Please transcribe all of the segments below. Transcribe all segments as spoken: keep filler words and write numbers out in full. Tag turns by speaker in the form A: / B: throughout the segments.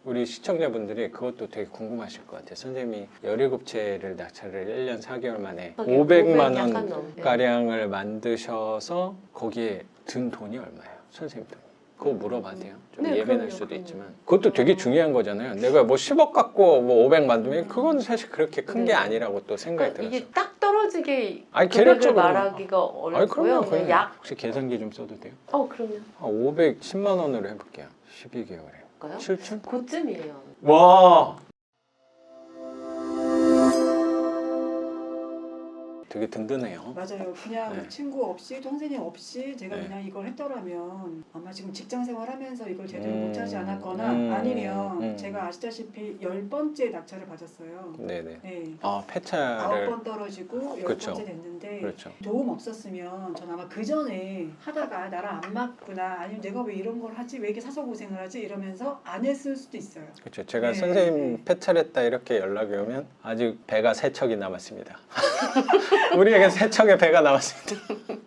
A: 우리 시청자분들이 그것도 되게 궁금하실 것 같아요. 선생님이 열일곱 채를 낙찰을 일 년 사 개월 만에 오백만 원 가량을 만드셔서 거기에 든 돈이 얼마예요? 선생님 돈이. 그거 물어봐도 돼요. 좀
B: 네,
A: 예민할
B: 그럼요,
A: 수도
B: 그럼요.
A: 있지만 그것도 되게 중요한 거잖아요. 내가 뭐 십억 갖고 뭐 오백 만들면 그건 사실 그렇게 큰 게
B: 네.
A: 아니라고 또 생각이
B: 그러니까
A: 들었어요.
B: 이게 딱 떨어지게
A: 아니,
B: 금액을
A: 계략적으로
B: 말하기가
A: 아니,
B: 어렵고요.
A: 그럼요.
B: 그냥
A: 그냥
B: 약.
A: 혹시 계산기 좀 써도 돼요?
B: 어 그럼요.
A: 한 오백십만 원으로 해볼게요. 십이 개월에.
B: 볼까요?
A: 칠천?
B: 그쯤이에요.
A: 와. 되게 든든해요.
C: 맞아요. 그냥
A: 네.
C: 친구 없이 또 선생님 없이 제가
A: 네.
C: 그냥 이걸 했더라면 아마 지금 직장 생활하면서 이걸 제대로
A: 음,
C: 못하지 않았거나
A: 음,
C: 아니면
A: 음.
C: 제가 아시다시피 열 번째 낙찰을 받았어요.
A: 네네.
C: 네.
A: 아,
C: 아홉
A: 폐차를.
C: 번 떨어지고 열
A: 그쵸.
C: 번째 됐는데
A: 그렇죠.
C: 도움 없었으면 전 아마 그 전에 하다가 나랑 안 맞구나 아니면 내가 왜 이런 걸 하지 왜 이렇게 사서 고생을 하지 이러면서 안 했을 수도 있어요.
A: 그렇죠. 제가
C: 네,
A: 선생님
C: 네.
A: 폐차했다 이렇게 연락이 오면 아직 배가 세 척이 남았습니다. 우리에게 세 척의 배가 남았습니다.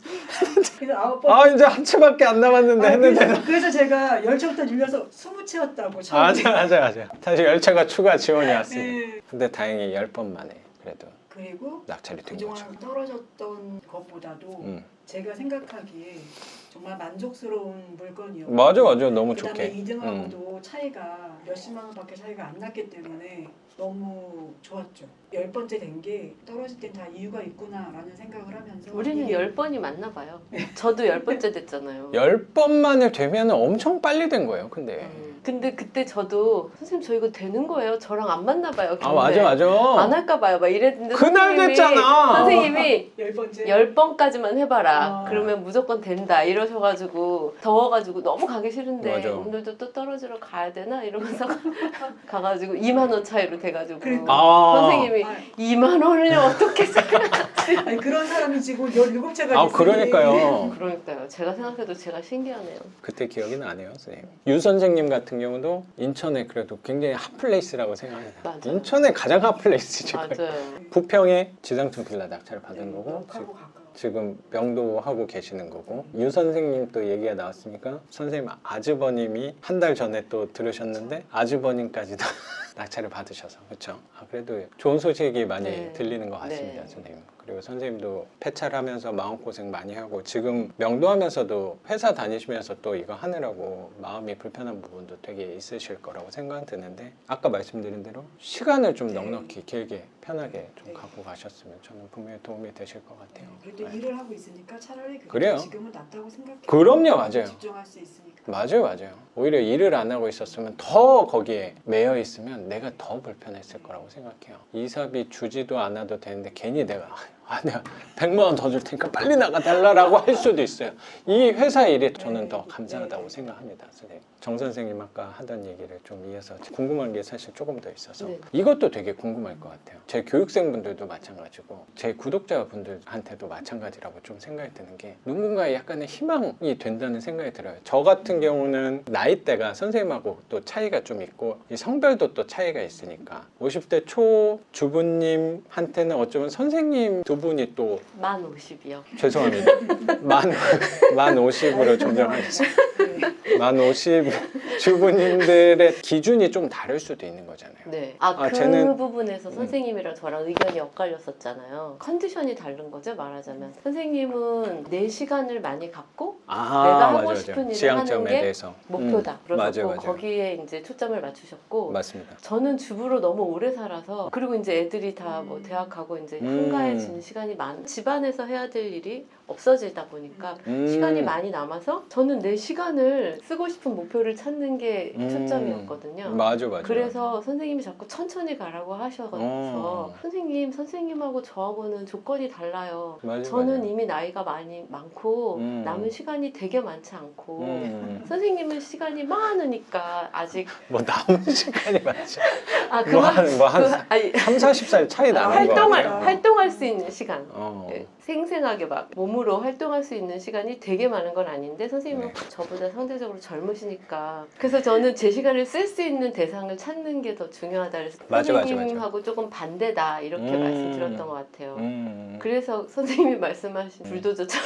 C: 그래서 아홉 번
A: 아, 이제 한 채밖에 안 남았는데
C: 아,
A: 했는데.
C: 그래서, 그래서 제가 열 채부터 늘려서 스무 채였다고
A: 맞아, 맞아, 맞아. 다시 열 채가 추가 지원이 왔습니다.
C: 네.
A: 근데 다행히 열 번 만에 그래도
C: 그리고
A: 낙찰이 된
C: 그동안
A: 거죠.
C: 떨어졌던 것보다도
A: 음.
C: 제가 생각하기에 정말 만족스러운 물건이었고
A: 맞아, 맞아. 너무
C: 그다음에
A: 좋게.
C: 이 등하고도 차이가 몇십만 원밖에 차이가 안 났기 때문에 너무 좋았죠. 열 번째 된 게 떨어질 땐 다 이유가 있구나라는 생각을 하면서
B: 우리는
C: 이게
B: 열 번이 맞나 봐요. 저도 열 번째 됐잖아요.
A: 열 번 만에 되면 엄청 빨리 된 거예요. 근데.
B: 음. 근데 그때 저도 선생님 저 이거 되는 거예요? 저랑 안 맞나 봐요.
A: 아, 맞아, 맞아.
B: 안 할까 봐요. 막 이랬는데
A: 그날
B: 선생님이-
A: 됐잖아.
B: 선생님이
C: 열 번째
B: 열 번까지만 해봐라.
C: 아.
B: 그러면 무조건 된다. 이러셔가지고 더워가지고 너무 가기 싫은데
A: 맞아.
B: 오늘도 또 떨어지러 가야 되나 이러면서 가가지고 이만 원 차이로 돼가지고
C: 그러니까.
A: 아.
B: 선생님이
C: 아,
B: 이만 원을 어떻게 생각하지?
C: 아니 그런 사람이 지금 열일곱 채가
A: 아, 그러니까요.
B: 그러니까요. 제가 생각해도 제가 신기하네요.
A: 그때 기억이 나네요, 선생님. 유 선생님 같은 경우도 인천에 그래도 굉장히 핫플레이스라고 생각합니다.
B: 맞아요.
A: 인천의 가장 핫플레이스죠.
B: 맞아요.
A: 부평에 지상층 빌라 낙찰을 받은 거고
C: 하고
A: 지금,
C: 가까워.
A: 지금 명도하고 계시는 거고 유 선생님 또 얘기가 나왔으니까 선생님 아주버님이 한 달 전에 또 들으셨는데 아주버님까지도 낙찰을 받으셔서 그렇죠. 아, 그래도 좋은 소식이 많이
B: 네.
A: 들리는 것 같습니다,
B: 네.
A: 선생님. 그리고 선생님도 폐차를 하면서 마음고생 많이 하고 지금 명도하면서도 회사 다니시면서 또 이거 하느라고 마음이 불편한 부분도 되게 있으실 거라고 생각 드는데 아까 말씀드린 대로 시간을 좀
C: 네.
A: 넉넉히 길게 편하게 좀
C: 네.
A: 갖고 가셨으면 저는 분명히 도움이 되실 것 같아요.
C: 그래도
A: 네.
C: 일을 하고 있으니까 차라리 그게
A: 그래요.
C: 지금은 낫다고 생각해요.
A: 그럼요, 맞아요.
C: 집중할 수 있으니까.
A: 맞아요, 맞아요. 오히려 일을 안 하고 있었으면 더 거기에 매여 있으면 내가 더 불편했을 거라고 생각해요. 이사비 주지도 않아도 되는데 괜히 내가 아, 내가 백만 원 더 줄 테니까 빨리 나가달라고 할 수도 있어요. 이 회사 일이 저는 더 감사하다고 생각합니다, 선생님. 정 선생님 아까 하던 얘기를 좀 이어서 궁금한 게 사실 조금 더 있어서
B: 네.
A: 이것도 되게 궁금할 것 같아요. 제 교육생분들도 마찬가지고 제 구독자분들한테도 마찬가지라고 좀 생각이 드는 게 누군가의 약간의 희망이 된다는 생각이 들어요. 저 같은 경우는 나이대가 선생님하고 또 차이가 좀 있고 이 성별도 또 차이가 있으니까 오십 대 초 주부님한테는 어쩌면 선생님 두 분이 또
B: 만 오십이요.
A: 죄송합니다. 만, 만 오십으로 정정하겠습니다.
C: 네.
A: 만 오십 주부님들의 기준이 좀 다를 수도 있는 거잖아요.
B: 네. 아,
A: 아,
B: 그
A: 쟤는-
B: 부분에서 선생님이랑 저랑 의견이 엇갈렸었잖아요. 컨디션이 다른 거죠, 말하자면. 선생님은 내 시간을 많이 갖고
A: 아,
B: 내가 하고
A: 맞아, 맞아.
B: 싶은 일을
A: 지향점에
B: 하는 게
A: 대해서
B: 목표다.
A: 음,
B: 그러셨고
A: 맞아요, 맞아요.
B: 거기에 이제 초점을 맞추셨고
A: 맞습니다.
B: 저는 주부로 너무 오래 살아서 그리고 이제 애들이 다 뭐 대학 가고 이제
A: 음.
B: 한가해지는 시간이 많 집안에서 해야 될 일이 없어지다 보니까
A: 음.
B: 시간이 많이 남아서 저는 내 시간을 쓰고 싶은 목표를 찾는 게
A: 음.
B: 초점이었거든요.
A: 맞아, 맞아.
B: 그래서 선생님이 자꾸 천천히 가라고 하셔서
A: 어.
B: 선생님, 선생님하고 저하고는 조건이 달라요.
A: 맞아,
B: 저는
A: 맞아.
B: 이미 나이가 많이 많고
A: 음.
B: 남은 시간이 되게 많지 않고
A: 음.
B: 선생님은 시간이 많으니까 아직
A: 뭐 남은 시간이 많죠.
B: 아
A: 뭐
B: 그만
A: 한, 뭐 한
B: 그, 아니
A: 삼사십 살 차이 나는 거
B: 활동할
A: 같아요.
B: 활동할 수 있는 시간.
A: 어.
B: 예, 생생하게 막 몸으로 활동할 수 있는 시간이 되게 많은 건 아닌데 선생님은
A: 네.
B: 저보다 상대적으로 젊으시니까 그래서 저는 제 시간을 쓸 수 있는 대상을 찾는 게 더 중요하다 그래서
A: 맞아, 맞아,
B: 선생님하고 조금 반대다 이렇게
A: 음.
B: 말씀드렸던 것 같아요.
A: 음.
B: 그래서 선생님이 말씀하신 불도저처럼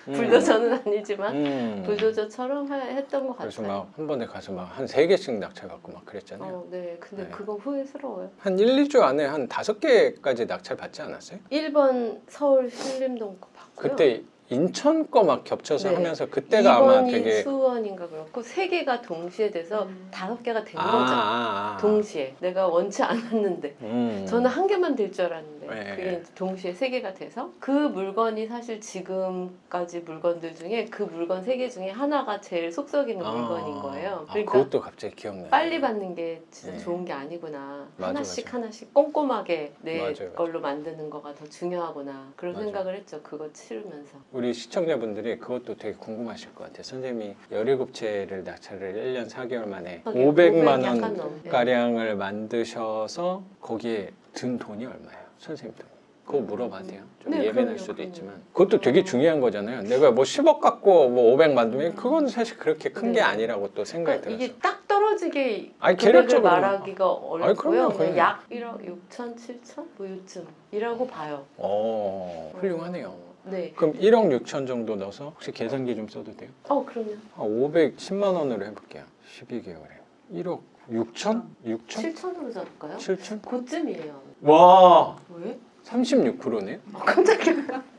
A: 음.
B: 불도저는 아니지만
A: 음.
B: 불도저처럼 하- 했던 것
A: 그래서
B: 같아요.
A: 막 한 번에 가서 막 한 세 개씩 낙찰 받고 막 그랬잖아요.
B: 어, 네. 근데
A: 네.
B: 그건 후회스러워요.
A: 한 일, 이 주 안에 한 다섯 개까지 낙찰 받지 않았어요?
B: 일 번 서울 신림동 거 봤고요.
A: 그때 인천 거 막 겹쳐서
B: 네.
A: 하면서 그때가 아마
B: 이 번이
A: 되게
B: 수원인가 그렇고 세 개가 동시에 돼서
C: 음.
B: 다섯 개가 된
A: 아,
B: 거죠.
A: 아, 아.
B: 동시에. 내가 원치 않았는데.
A: 음.
B: 저는 한 개만 될 줄 알았는데
A: 네.
B: 그게 이제 동시에 세 개가 돼서 그 물건이 사실 지금까지 물건들 중에 그 물건 세 개 중에 하나가 제일 속 썩이는
A: 아.
B: 물건인 거예요.
A: 아,
B: 그러니까
A: 그것도 갑자기 기억나요.
B: 빨리 받는 게 진짜
A: 네.
B: 좋은 게 아니구나.
A: 맞아,
B: 하나씩
A: 맞아.
B: 하나씩 꼼꼼하게 내
A: 맞아요, 맞아요.
B: 걸로 만드는 거가 더 중요하구나. 그런
A: 맞아.
B: 생각을 했죠. 그거 치르면서.
A: 우리 시청자분들이 그것도 되게 궁금하실 것 같아요. 선생님이 열일곱 채를 낙찰을 일 년 사 개월 만에
B: 하긴
A: 오백만
B: 오백 약간
A: 원
B: 넘게.
A: 가량을 만드셔서 거기에 든 돈이 얼마예요? 선생님 돈이. 그거 물어봐도 돼요. 좀
B: 네,
A: 예민할
B: 그럼요,
A: 수도
B: 그럼요.
A: 있지만 그것도 되게 중요한 거잖아요. 내가 뭐 십억 갖고 뭐 오백 만들면 그건 사실 그렇게 큰 게
B: 네.
A: 아니라고 또 생각이
B: 그러니까
A: 들었어요.
B: 이게 딱 떨어지게
A: 아니,
B: 금액을
A: 계략적으로.
B: 말하기가 어렵고요.
A: 그럼요,
B: 그냥
A: 그럼요.
B: 약 일억 육천, 칠천 뭐 요쯤이라고 봐요.
A: 어, 훌륭하네요.
B: 네.
A: 그럼 일억 육천 정도 넣어서 혹시 계산기 좀 써도 돼요?
B: 어, 그럼요.
A: 한 오백십만 원으로 해볼게요. 십이 개월에 일억 육천? 육천?
B: 칠천으로 잡을까요?
A: 칠천?
B: 그쯤이에요.
A: 와,
B: 왜?
A: 삼십육 퍼센트네요?
B: 어, 깜짝이야.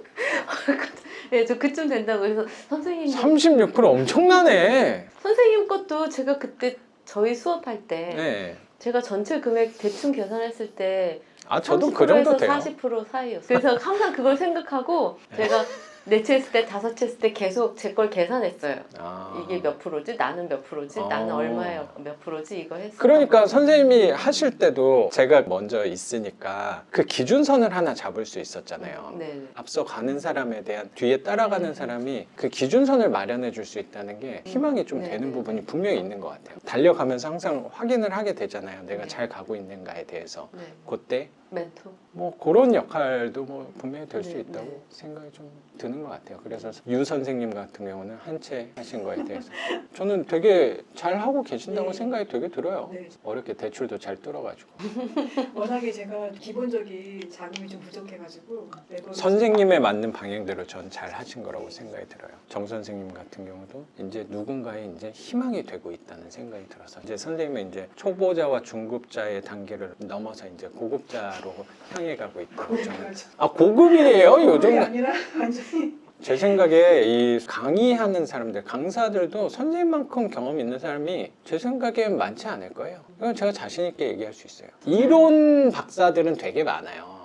B: 네, 저 그쯤 된다고 해서 선생님
A: 삼십육 퍼센트 엄청나네.
B: 선생님 것도 제가 그때 저희 수업할 때
A: 네.
B: 제가 전체 금액 대충 계산했을 때
A: 아, 저도 그 정도
B: 삼십 퍼센트에서
A: 돼요.
B: 사십 퍼센트 사이였어요. 그래서 항상 그걸 생각하고 제가 네 채 했을 때 다섯 채 했을 때 계속 제 걸 계산했어요.
A: 아.
B: 이게 몇 프로지? 나는 몇 프로지?
A: 아.
B: 나는 얼마에 몇 프로지? 이거 했어.
A: 그러니까 선생님이 하실 때도 제가 먼저 있으니까 그 기준선을 하나 잡을 수 있었잖아요.
B: 네.
A: 앞서 가는 사람에 대한 뒤에 따라가는 사람이 그 기준선을 마련해 줄 수 있다는 게 희망이 좀
B: 네,
A: 되는
B: 네,
A: 부분이
B: 네.
A: 분명히 있는 것 같아요. 달려가면서 항상 확인을 하게 되잖아요. 내가
B: 네.
A: 잘 가고 있는가에 대해서.
B: 네.
A: 그때
B: 멘토.
A: 뭐 그런 역할도 뭐 분명히 될 수
B: 네,
A: 있다고
B: 네.
A: 생각이 좀 드는 것 같아요. 그래서 유 선생님 같은 경우는 한 채 하신 거에 대해서 저는 되게 잘 하고 계신다고
C: 네.
A: 생각이 되게 들어요.
C: 네.
A: 어렵게 대출도 잘 뚫어가지고
C: 워낙에 제가 기본적인 자금이 좀 부족해가지고 매번
A: 선생님에 맞는 방향대로 전 잘 하신 거라고 생각이 들어요. 정 선생님 같은 경우도 이제 누군가의 이제 희망이 되고 있다는 생각이 들어서 이제 선생님은 이제 초보자와 중급자의 단계를 넘어서 이제 고급자로 향해 가고 있고 저는 아 고급이에요
C: 그게
A: 요즘.
C: 아니라 완전히
A: 제 생각에 이 강의하는 사람들, 강사들도 선생님만큼 경험 있는 사람이 제 생각엔 많지 않을 거예요. 이건 제가 자신 있게 얘기할 수 있어요. 이론 박사들은 되게 많아요.